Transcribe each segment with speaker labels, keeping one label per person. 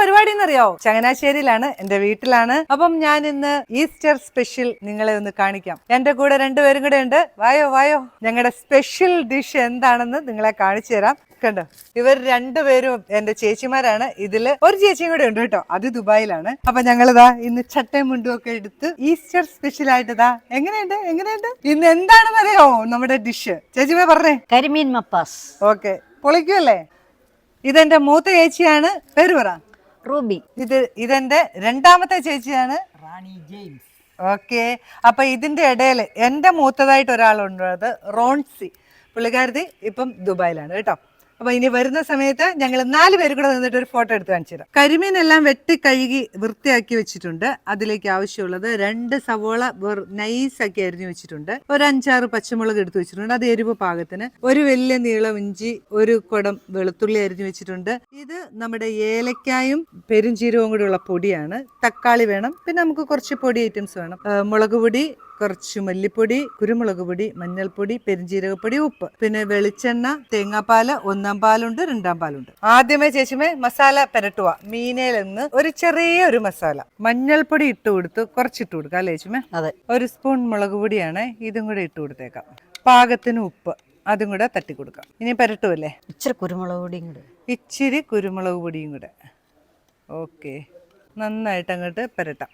Speaker 1: പരിപാടി എന്നറിയോ? ചങ്ങനാശ്ശേരിയിലാണ്, എന്റെ വീട്ടിലാണ്. അപ്പം ഞാൻ ഇന്ന് ഈസ്റ്റർ സ്പെഷ്യൽ നിങ്ങളെ ഒന്ന് കാണിക്കാം. എന്റെ കൂടെ രണ്ടുപേരും കൂടെ ഉണ്ട്. വായോ വായോ, ഞങ്ങളുടെ സ്പെഷ്യൽ ഡിഷ് എന്താണെന്ന് നിങ്ങളെ കാണിച്ചു തരാം. കണ്ടോ, ഇവർ രണ്ടുപേരും എന്റെ ചേച്ചിമാരാണ്. ഇതില് ഒരു ചേച്ചിയും കൂടെ ഉണ്ട് കേട്ടോ, അത് ദുബായിലാണ്. അപ്പൊ ഞങ്ങളിതാ ഇന്ന് ചട്ടയും മുണ്ടും ഒക്കെ എടുത്ത് ഈസ്റ്റർ സ്പെഷ്യൽ ആയിട്ട് എങ്ങനെയുണ്ട് ഇന്ന് എന്താണെന്ന് അറിയോ നമ്മുടെ ഡിഷ്? ചേച്ചിമേ പറഞ്ഞേ.
Speaker 2: കരിമീൻ മപ്പാസ്.
Speaker 1: ഓക്കെ, പൊളിക്കുമല്ലേ? ഇതെന്റെ മൂത്ത ചേച്ചിയാണ്, പേര് പറ.
Speaker 2: റൂബി.
Speaker 1: ഇതെന്റെ രണ്ടാമത്തെ ചേച്ചിയാണ്,
Speaker 3: റാണി ജെയിംസ്.
Speaker 1: ഓക്കെ. അപ്പൊ ഇതിന്റെ ഇടയിൽ എന്റെ മൂത്തതായിട്ട് ഒരാളുണ്ട്, റോൺസി. പുള്ളിക്കാരത്തി ഇപ്പം ദുബായിലാണ് കേട്ടോ. അപ്പൊ ഇനി വരുന്ന സമയത്ത് ഞങ്ങൾ 4 പേര് കൂടെ നിന്നിട്ട് ഒരു ഫോട്ടോ എടുത്ത് കാണിച്ചു തരാം. കരിമീനെല്ലാം വെട്ടി കഴുകി വൃത്തിയാക്കി വെച്ചിട്ടുണ്ട്. അതിലേക്ക് ആവശ്യമുള്ളത് 2 സവോള നൈസാക്കി അരിഞ്ഞു വെച്ചിട്ടുണ്ട്, ഒരു 5-6 പച്ചമുളക് എടുത്ത് വെച്ചിട്ടുണ്ട്, അത് എരിവ് പാകത്തിന്, ഒരു വലിയ നീളം ഇഞ്ചി, ഒരു കുടം വെളുത്തുള്ളി അരിഞ്ഞു വെച്ചിട്ടുണ്ട്. ഇത് നമ്മുടെ ഏലക്കായും പെരുംജീരകവും കൂടി ഉള്ള പൊടിയാണ്. തക്കാളി വേണം, പിന്നെ നമുക്ക് കുറച്ച് പൊടി ഐറ്റംസ് വേണം. മുളക് പൊടി, കുറച്ച് മല്ലിപ്പൊടി, കുരുമുളക് പൊടി, മഞ്ഞൾപ്പൊടി, പെരുംജീരകപ്പൊടി, ഉപ്പ്, പിന്നെ വെളിച്ചെണ്ണ, തേങ്ങാപ്പാല്, 1-ാം പാലുണ്ട്, 2-ാം പാലുണ്ട്. ആദ്യമേ ചേച്ചിമേ മസാല പെരട്ടുക. മീനയിൽ നിന്ന് ഒരു ചെറിയൊരു മസാല, മഞ്ഞൾപ്പൊടി ഇട്ട് കൊടുത്ത് കുറച്ചിട്ട് കൊടുക്കാം അല്ലേ ചേച്ചിമേ?
Speaker 2: അതെ.
Speaker 1: 1 സ്പൂൺ മുളക് പൊടിയാണ്, ഇതും കൂടെ ഇട്ട് കൊടുത്തേക്കാം. പാകത്തിന് ഉപ്പ്, അതും കൂടെ തട്ടി കൊടുക്കാം. ഇനി പെരട്ടുമല്ലേ?
Speaker 2: ഇച്ചിരി കുരുമുളക് പൊടിയും കൂടെ.
Speaker 1: ഇച്ചിരി കുരുമുളക് പൊടിയും കൂടെ. ഓക്കെ, നന്നായിട്ട് അങ്ങോട്ട് പെരട്ടാം.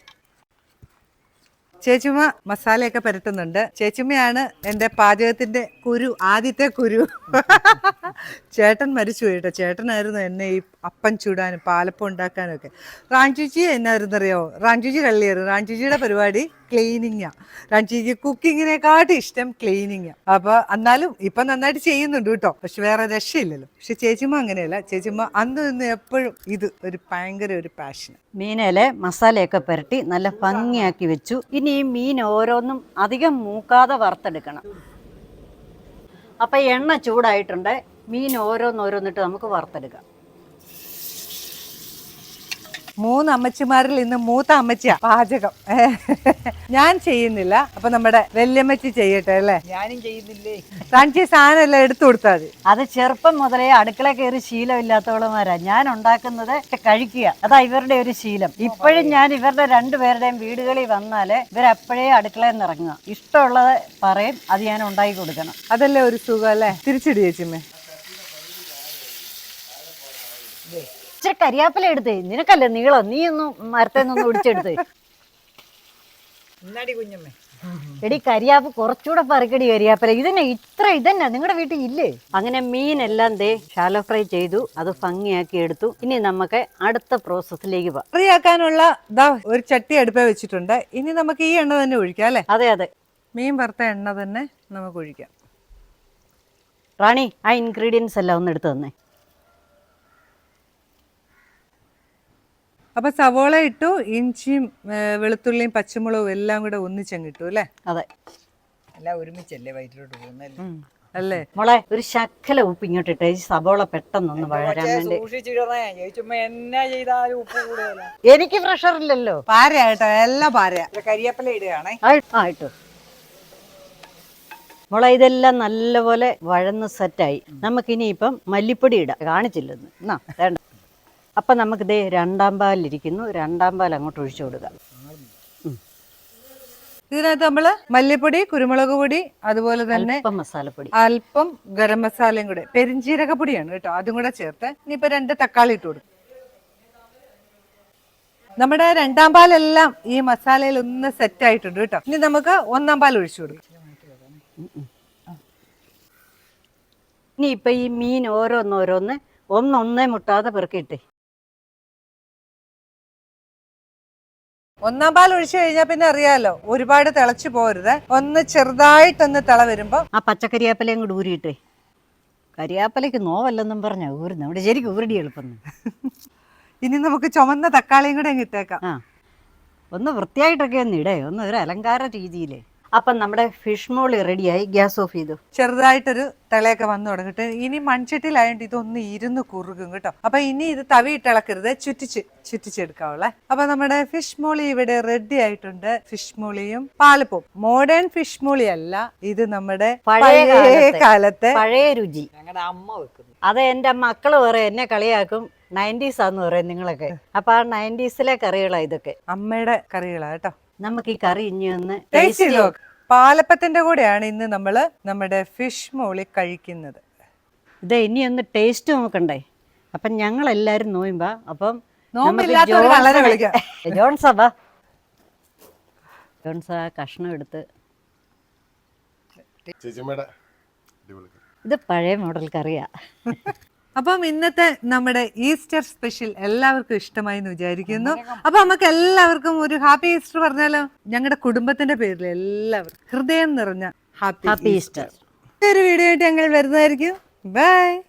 Speaker 1: ചേച്ചിമ്മ മസാലയൊക്കെ പുരട്ടുന്നുണ്ട്. ചേച്ചിമ്മയാണ് എൻ്റെ പാചകത്തിന്റെ ആദ്യത്തെ കുരു. ചേട്ടൻ മരിച്ചു പോയിട്ടോ. ചേട്ടനായിരുന്നു എന്നെ ഈ അപ്പം ചൂടാനും പാലപ്പം ഉണ്ടാക്കാനും ഒക്കെ. റാഞ്ചുച്ചി എന്നായിരുന്നു അറിയോ? റാഞ്ചുച്ചി കള്ളിയായിരുന്നു. റാഞ്ചുച്ചിയുടെ പരിപാടി ക്ലീനിങ്ങാ. റാഞ്ചുച്ചി കുക്കിങ്ങിനെക്കാട്ടും ഇഷ്ടം ക്ലീനിങ്ങാ. അപ്പൊ എന്നാലും ഇപ്പൊ നന്നായിട്ട് ചെയ്യുന്നുണ്ട് കേട്ടോ, പക്ഷെ വേറെ രക്ഷയില്ലല്ലോ. പക്ഷെ ചേച്ചിമ്മ അങ്ങനെയല്ല. ചേച്ചിമ്മ അന്ന് നിന്ന് എപ്പോഴും ഇത് ഭയങ്കര ഒരു പാഷൻ.
Speaker 2: മീനിലെ മസാലയൊക്കെ പുരട്ടി നല്ല ഭംഗിയാക്കി വെച്ചു. ഇനി ഈ മീൻ ഓരോന്നും അധികം മൂക്കാതെ വറുത്തെടുക്കണം. അപ്പൊ എണ്ണ ചൂടായിട്ടുണ്ട്, മീൻ ഓരോന്നോരോന്നിട്ട് നമുക്ക് വറുത്തെടുക്കാം.
Speaker 1: 3 അമ്മച്ചിമാരിൽ ഇന്ന് മൂത്ത അമ്മച്ചിയാ പാചകം. ഞാൻ ചെയ്യുന്നില്ല, അപ്പൊ നമ്മുടെ വല്യമ്മച്ചി ചെയ്യട്ടെ അല്ലേ?
Speaker 3: ഞാനും ചെയ്യുന്നില്ലേ.
Speaker 1: റാഞ്ചി സാധനം എല്ലാം എടുത്തു കൊടുത്താൽ മതി.
Speaker 2: അത് ചെറുപ്പം മുതലേ അടുക്കള കയറി ശീലമില്ലാത്തവളമാരാ. ഞാൻ ഉണ്ടാക്കുന്നത് കഴിക്കുക, അതാ ഇവരുടെ ഒരു ശീലം. ഇപ്പോഴും ഞാൻ ഇവരുടെ 2 പേരുടെയും വീടുകളിൽ വന്നാല് ഇവരപ്പോഴേ അടുക്കളയിൽ നിന്ന് ഇറങ്ങുക. ഇഷ്ടമുള്ളത് പറയും, അത് ഞാൻ ഉണ്ടാക്കി കൊടുക്കണം.
Speaker 1: അതല്ലേ ഒരു സുഖം അല്ലേ? തിരിച്ചിട് ചേച്ചിമ്മേ.
Speaker 2: ഇച്ചിരി കരിയാപ്പില എടുത്തേ, നിനക്കല്ലേ നീളം, നീ ഒന്നും മരത്തേന്നൊന്നും ഒടിച്ചെടുത്തേ.
Speaker 3: കുഞ്ഞമ്മേ,
Speaker 2: എടി കരിയാപ്പ് കുറച്ചുകൂടെ പറിക്കടി കരിയാപ്പില. ഇതന്നെ നിങ്ങളുടെ വീട്ടിൽ ഇല്ലേ? അങ്ങനെ മീനെല്ലാം ഷാലോ ഫ്രൈ ചെയ്തു, അത് ഭംഗിയാക്കി എടുത്തു. ഇനി നമുക്ക് അടുത്ത പ്രോസസ്സിലേക്ക് പോവാം.
Speaker 1: ഫ്രൈയാക്കാനുള്ള ഒരു ചട്ടി അടുപ്പേ വെച്ചിട്ടുണ്ട്. ഇനി നമുക്ക് ഈ എണ്ണ തന്നെ ഒഴിക്കാം അല്ലേ?
Speaker 2: അതെ അതെ,
Speaker 1: മീൻ വറുത്ത എണ്ണ തന്നെ നമുക്ക് ഒഴിക്കാം.
Speaker 2: റാണി, ആ ഇൻഗ്രീഡിയൻസ് എല്ലാം ഒന്ന് എടുത്തു തന്നെ.
Speaker 1: അപ്പൊ സവോള ഇട്ടു, ഇഞ്ചിയും വെളുത്തുള്ളിയും പച്ചമുളകും എല്ലാം കൂടെ ഒന്നിച്ചങ്ങിട്ടു അല്ലേ?
Speaker 2: അതെ,
Speaker 3: എല്ലാം ഒരുമിച്ചല്ലേ വയറ്റിലോട്ട് പോകുന്നല്ലേ
Speaker 1: അല്ലേ?
Speaker 2: മോളെ, ഒരു ശക്കല ഉപ്പ് ഇങ്ങോട്ട് ഇട്ടേ, സവോള പെട്ടെന്നൊന്ന് വഴരാൻ വേണ്ടി.
Speaker 3: എന്നാ ചെയ്താലും ഉപ്പ് കൂടുതല.
Speaker 2: എനിക്ക് പ്രഷർ ഇല്ലല്ലോ.
Speaker 1: പാരയാ കേട്ടോ, എല്ലാം പാരയാ.
Speaker 3: കരിയാപ്പല ഇടുകയാണേ.
Speaker 2: ഇട്ടു മോളെ. ഇതെല്ലാം നല്ലപോലെ വഴന്ന് സെറ്റായി. നമുക്കിനി ഇപ്പം മല്ലിപ്പൊടി ഇടാം. കാണിച്ചില്ലെന്ന് എന്നാ വേണ്ട. അപ്പൊ നമുക്ക് 2-ാം പാലിരിക്കുന്നു, 2-ാം പാൽ അങ്ങോട്ട് ഒഴിച്ചു കൊടുക്കാം.
Speaker 1: ഇതിനകത്ത് നമ്മള് മല്ലിപ്പൊടി, കുരുമുളക് പൊടി, അതുപോലെ തന്നെ
Speaker 2: മസാലപ്പൊടി,
Speaker 1: അല്പം ഗരം മസാലയും കൂടെ, പെരിഞ്ജീരകപ്പൊടിയാണ് കേട്ടോ, അതും കൂടെ ചേർത്ത് ഇനിയിപ്പോ 2 തക്കാളി ഇട്ട് കൊടുക്കും. നമ്മുടെ 2-ാം പാലെല്ലാം ഈ മസാലയിൽ ഒന്ന് സെറ്റ് ആയിട്ടുണ്ട് കേട്ടോ. ഇനി നമുക്ക് 1-ാം പാൽ ഒഴിച്ചു കൊടുക്കാം.
Speaker 2: ഇനി ഇപ്പൊ ഈ മീൻ ഓരോന്നോരോന്ന് ഒന്നൊന്നേ മുട്ടാതെ പെറുക്കിയിട്ടേ.
Speaker 1: 1-ാം പാൽ ഒഴിച്ചു കഴിഞ്ഞാൽ പിന്നെ അറിയാലോ, ഒരുപാട് തിളച്ചു പോരുത്. ഒന്ന് ചെറുതായിട്ടൊന്ന് തിള വരുമ്പോ
Speaker 2: ആ പച്ചക്കരിയാപ്പലയും കൂടി ഊരിയിട്ടേ. കരിയാപ്പലയ്ക്ക് നോവല്ലെന്നും പറഞ്ഞ ഊരുന്നു, അവിടെ ശരിക്കും ഊരടി എളുപ്പം.
Speaker 1: ഇനി നമുക്ക് ചുമന്ന തക്കാളിയും കൂടെ അങ്ങ് ഇട്ടേക്കാം.
Speaker 2: ഒന്ന് വൃത്തിയായിട്ടൊക്കെ ഒന്ന് ഇടേ, ഒന്ന് ഒരു അലങ്കാര രീതിയിലേ. അപ്പം നമ്മുടെ ഫിഷ് മോളി റെഡിയായി. ഗ്യാസ് ഓഫ് ചെയ്തു.
Speaker 1: ചെറുതായിട്ടൊരു തിളയൊക്കെ വന്നു തുടങ്ങിട്ട് ഇനി മൺചട്ടിയിലായോണ്ട് ഇതൊന്ന് ഇരുന്ന് കുറുകും കേട്ടോ. അപ്പൊ ഇനി ഇത് തവിയിട്ട് ഇളക്കരുത്, ചുറ്റിച്ചെടുക്കാവുള്ളേ. അപ്പൊ നമ്മുടെ ഫിഷ് മോളി ഇവിടെ റെഡി ആയിട്ടുണ്ട്. ഫിഷ് മോളിയും പാലപ്പവും. മോഡേൺ ഫിഷ് മോളി അല്ല, ഇത് നമ്മുടെ പഴയ കാലത്തെ
Speaker 2: പഴയ രുചി.
Speaker 3: ഞങ്ങളുടെ അമ്മ വെക്കുന്നു.
Speaker 2: അത് എൻ്റെ മക്കള് പറയും, എന്നെ കളിയാക്കും, 90s ആന്ന് പറയും നിങ്ങളൊക്കെ. അപ്പൊ ആ 90s കറികളാ ഇതൊക്കെ.
Speaker 1: അമ്മയുടെ കറികളാ കേട്ടോ.
Speaker 2: നമുക്ക് ഈ കറി ഇനി ഒന്ന്
Speaker 1: ടേസ്റ്റ് ചെയ്ത് നോക്ക്. പാലപ്പത്തിന്റെ കൂടെയാണ് ഇന്ന് നമ്മള് നമ്മുടെ ഫിഷ് മോളി കഴിക്കുന്നത്.
Speaker 2: ഇത് ഇനി ഒന്ന് ടേസ്റ്റ് നോക്കണ്ടേ. അപ്പം ഞങ്ങൾ എല്ലാരും നോയുമ്പോ അപ്പം
Speaker 1: നോമ്പില്ലാത്തവര് കള്ളനെ വിളിക്കാം.
Speaker 2: ജോൺസാ ജോൺസാ കഷ്ണം എടുത്ത്. ഇത് പഴയ മോഡൽ കറിയാ.
Speaker 1: അപ്പം ഇന്നത്തെ നമ്മുടെ ഈസ്റ്റർ സ്പെഷ്യൽ എല്ലാവർക്കും ഇഷ്ടമായി എന്ന് വിചാരിക്കുന്നു. അപ്പൊ നമുക്ക് എല്ലാവർക്കും ഒരു ഹാപ്പി ഈസ്റ്റർ പറഞ്ഞാലോ? ഞങ്ങളുടെ കുടുംബത്തിന്റെ പേരിൽ എല്ലാവർക്കും ഹൃദയം നിറഞ്ഞ ഹാപ്പി
Speaker 2: ഹാപ്പി ഈസ്റ്റർ.
Speaker 1: ഒരു വീഡിയോ ആയിട്ട് ഞങ്ങൾ വരുന്നതായിരിക്കും. ബൈ.